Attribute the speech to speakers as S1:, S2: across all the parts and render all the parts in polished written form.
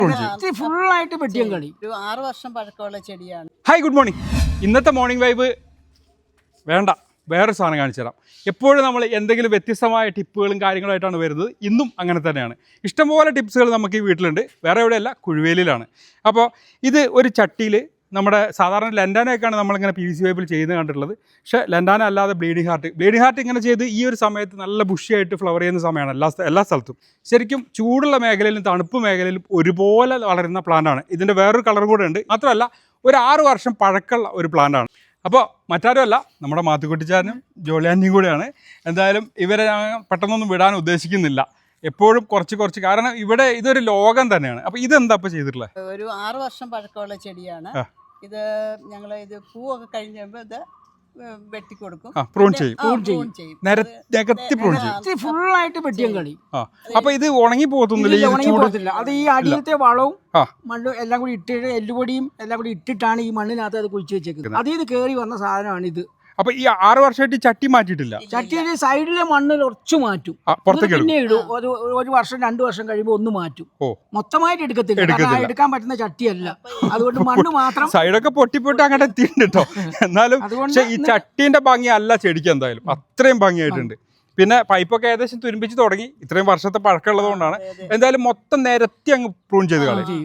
S1: ഫുള്ളായിട്ട് വെട്ടിയും കളി.
S2: ഒരു 6 വർഷം പഴക്കമുള്ള ചെടിയാണ്.
S3: Hi, good morning. ഇന്നത്തെ മോർണിംഗ് വൈബ് വേണ്ട, വേറൊരു സാധനം കാണിച്ചു തരാം. എപ്പോഴും നമ്മൾ എന്തെങ്കിലും വ്യത്യസ്തമായ ടിപ്പുകളും കാര്യങ്ങളായിട്ടാണ് വരുന്നത്. ഇന്നും അങ്ങനെ തന്നെയാണ്. ഇഷ്ടംപോലെ ടിപ്സുകൾ നമുക്ക് ഈ വീട്ടിലുണ്ട്. വേറെ എവിടെയല്ല, കുഴുവേലിയിലാണ്. അപ്പോൾ ഇത് ഒരു ചട്ടിയിൽ നമ്മുടെ സാധാരണ ലെൻഡാനയൊക്കെയാണ് നമ്മളിങ്ങനെ PVC പൈപ്പിൽ ചെയ്യുന്നത് കണ്ടിട്ടുള്ളത്. പക്ഷേ ലെൻഡാന അല്ലാതെ ബ്ലീഡിംഗ് ഹാർട്ട് ഇങ്ങനെ ചെയ്ത് ഈ ഒരു സമയത്ത് നല്ല ബുഷിയായിട്ട് ഫ്ലവർ ചെയ്യുന്ന സമയമാണ് എല്ലാ സ്ഥലത്തും. ശരിക്കും ചൂടുള്ള മേഖലയിലും തണുപ്പ് മേഖലയിലും ഒരുപോലെ വളരുന്ന പ്ലാന്റാണ്. ഇതിൻ്റെ വേറൊരു കളർ കൂടെ ഉണ്ട്. മാത്രമല്ല ഒരു 6 വർഷം പഴക്കമുള്ള ഒരു പ്ലാന്റാണ്. അപ്പോൾ മറ്റാരുമല്ല, നമ്മുടെ മാത്തുക്കുട്ടിച്ചാരനും ജോളിയാൻ്റെയും കൂടെയാണ്. എന്തായാലും ഇവരെ ഞാൻ പെട്ടെന്നൊന്നും വിടാൻ ഉദ്ദേശിക്കുന്നില്ല. എപ്പോഴും കുറച്ച് കാരണം ഇവിടെ ഇതൊരു ലോകം തന്നെയാണ്. അപ്പോൾ ഇതെന്താ ഇപ്പോൾ ചെയ്തിട്ടുള്ളത്?
S2: ഒരു 6 വർഷം പഴക്കമുള്ള ചെടിയാണ്. ഇത് ഞങ്ങൾ ഇത് പൂവൊക്കെ കഴിഞ്ഞപ്പോൾ ഇത് വെട്ടിക്കൊടുക്കും,
S3: പ്രൂൺ ചെയ്യും.
S1: നികത്തി ഫുള്ളായിട്ട് വെട്ടിയും കളി.
S3: അപ്പൊ ഇത് ഉണങ്ങി പോകത്തില്ല.
S1: അത് ഈ അടിയത്തെ വളവും മണ്ണും എല്ലാം കൂടി ഇട്ടിട്ട് എല്ലുപൊടിയും എല്ലാം കൂടി ഇട്ടിട്ടാണ് ഈ മണ്ണിനകത്ത് അത് കുഴിച്ചു വെച്ചേക്കുന്നത്. അതിൽ നിന്ന് കയറി വന്ന സാധനമാണ് ഇത്.
S3: അപ്പൊ ഈ 6 വർഷമായിട്ട് ചട്ടി മാറ്റിയിട്ടില്ല.
S1: ചട്ടിയുടെ സൈഡിലെ മണ്ണ് കുറച്ച് മാറ്റും, പിന്നെ ഇടും. ഒരു വർഷം 2 വർഷം കഴിയുമ്പോൾ ഒന്ന് മാറ്റും. മൊത്തമായിട്ട് എടുക്കത്തില്ല, എടുക്കാൻ പറ്റുന്ന ചട്ടിയല്ല. അതുകൊണ്ട് മണ്ണ് മാത്രം
S3: സൈഡൊക്കെ പൊട്ടിപ്പൊട്ടി അങ്ങോട്ട് എത്തിയിട്ടുണ്ട് കേട്ടോ. എന്നാലും ഈ ചട്ടീന്റെ ഭംഗി അല്ല ചെടിക്ക് എന്തായാലും അത്രയും ഭംഗിയായിട്ടുണ്ട്. പിന്നെ പൈപ്പൊക്കെ ഏകദേശം തുരുമ്പിച്ച് തുടങ്ങി. ഇത്രയും വർഷത്തെ പഴക്കമുള്ളത് കൊണ്ടാണ്. എന്തായാലും മൊത്തം നിരത്തി അങ്ങ് പ്രൂൺ ചെയ്ത് കളയും.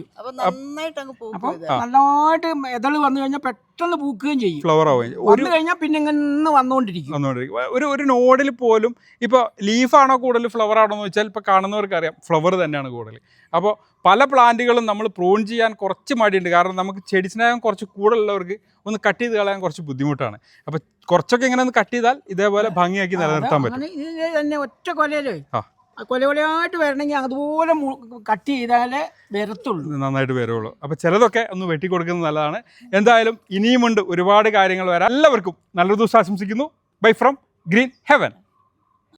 S1: നന്നായിട്ട് എതള് വന്നു കഴിഞ്ഞാൽ പെട്ടെന്ന് പൂക്കുകയും ചെയ്യും,
S3: ഫ്ലവർ ആവുകയും
S1: വന്നു കഴിഞ്ഞാൽ പിന്നെ ഇങ്ങനെ വന്നുകൊണ്ടിരിക്കും.
S3: ഒരു നോഡിൽ പോലും ഇപ്പോൾ ലീഫാണോ കൂടുതൽ ഫ്ലവർ ആണോ എന്ന് വെച്ചാൽ ഇപ്പോൾ കാണുന്നവർക്ക് അറിയാം, ഫ്ലവർ തന്നെയാണ് കൂടുതൽ. അപ്പോൾ പല പ്ലാന്റുകളും നമ്മൾ പ്രൂൺ ചെയ്യാൻ കുറച്ച് മടിയുണ്ട്. കാരണം നമുക്ക് ചെടി സ്നേഹം കുറച്ച് കൂടുതലുള്ളവർക്ക് ഒന്ന് കട്ട് ചെയ്ത് കളയാൻ കുറച്ച് ബുദ്ധിമുട്ടാണ്. അപ്പോൾ കുറച്ചൊക്കെ ഇങ്ങനെ ഒന്ന് കട്ട് ചെയ്താൽ ഇതേപോലെ ഭംഗിയാക്കി നിലനിർത്താൻ പറ്റും.
S1: ഇത് തന്നെ ഒറ്റ കൊലയിലേ കൊലകൊലയായിട്ട് വരണമെങ്കിൽ അതുപോലെ കട്ട് ചെയ്താലേ വരത്തുള്ളൂ,
S3: നന്നായിട്ട് വരുള്ളൂ. അപ്പോൾ ചിലതൊക്കെ ഒന്ന് വെട്ടിക്കൊടുക്കുന്നത് നല്ലതാണ്. എന്തായാലും ഇനിയുമുണ്ട് ഒരുപാട് കാര്യങ്ങൾ വരാൻ. എല്ലാവർക്കും നല്ലൊരു ദിവസം ആശംസിക്കുന്നു. Bye from Green heaven.